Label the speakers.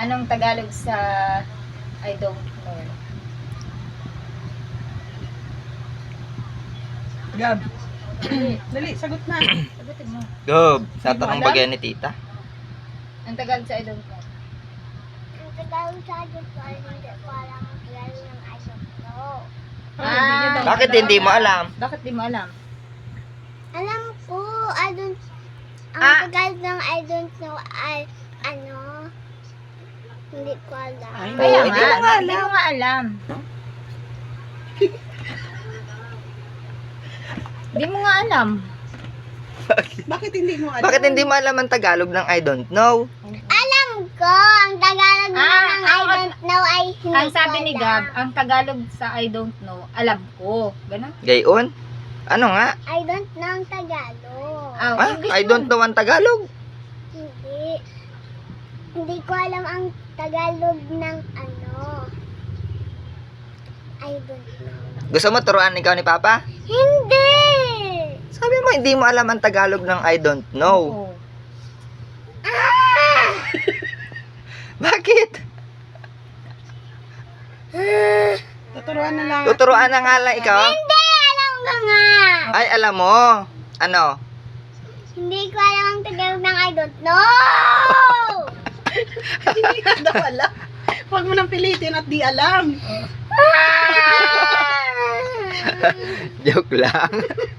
Speaker 1: Anong Tagalog sa I don't know?
Speaker 2: Gab. Dali, sagot na.
Speaker 1: Sagutin mo.
Speaker 3: Gob, sa
Speaker 1: Hindi mo
Speaker 3: tanong
Speaker 1: alam?
Speaker 3: bagay ni tita.
Speaker 1: Ang Tagalog sa I don't know.
Speaker 4: Ang Tagalog sa akin po ay hindi ko alam ang Tagalog ng I don't know.
Speaker 2: Hindi niya daw
Speaker 3: Bakit
Speaker 2: alam.
Speaker 3: hindi mo alam?
Speaker 1: Bakit di mo alam?
Speaker 4: Alam ko, I don't, ang Tagalog ng I don't know ay, ano, hindi ko alam.
Speaker 2: Ay,
Speaker 1: Kaya
Speaker 3: Oo, hindi mo nga
Speaker 1: hindi mo nga alam. Di mo nga alam.
Speaker 2: Bakit hindi mo alam?
Speaker 3: Bakit hindi mo alam ang Tagalog ng I don't know?
Speaker 4: Alam ko, ang Tagalog naman ng I don't know ay hindi
Speaker 1: Ang sabi
Speaker 4: ko
Speaker 1: ni
Speaker 4: alam.
Speaker 1: Gab, ang Tagalog sa I don't know, alam ko. Ganun?
Speaker 3: Gayon? Ano nga?
Speaker 4: I don't know ang Tagalog.
Speaker 1: Ah,
Speaker 3: Ah,
Speaker 1: English
Speaker 3: I
Speaker 1: mo.
Speaker 3: don't know ang Tagalog.
Speaker 4: Hindi. Hindi ko alam ang Tagalog ng ano. I don't know.
Speaker 3: Gusto mo turuan ikaw ni Papa?
Speaker 4: Hindi!
Speaker 3: Sabi mo hindi mo alam ang Tagalog ng I don't know.
Speaker 1: Oo.
Speaker 4: Ah!
Speaker 3: Bakit?
Speaker 2: Tuturuan na lang.
Speaker 3: Tuturuan na nga lang ikaw?
Speaker 4: Hindi! Alam ko nga!
Speaker 3: Ay, alam mo. Ano?
Speaker 4: Hindi ko alam ang Tagalog ng I don't know!
Speaker 2: Hindi nga daw alam. Huwag mo nang pilitin at di alam.
Speaker 3: Joke lang.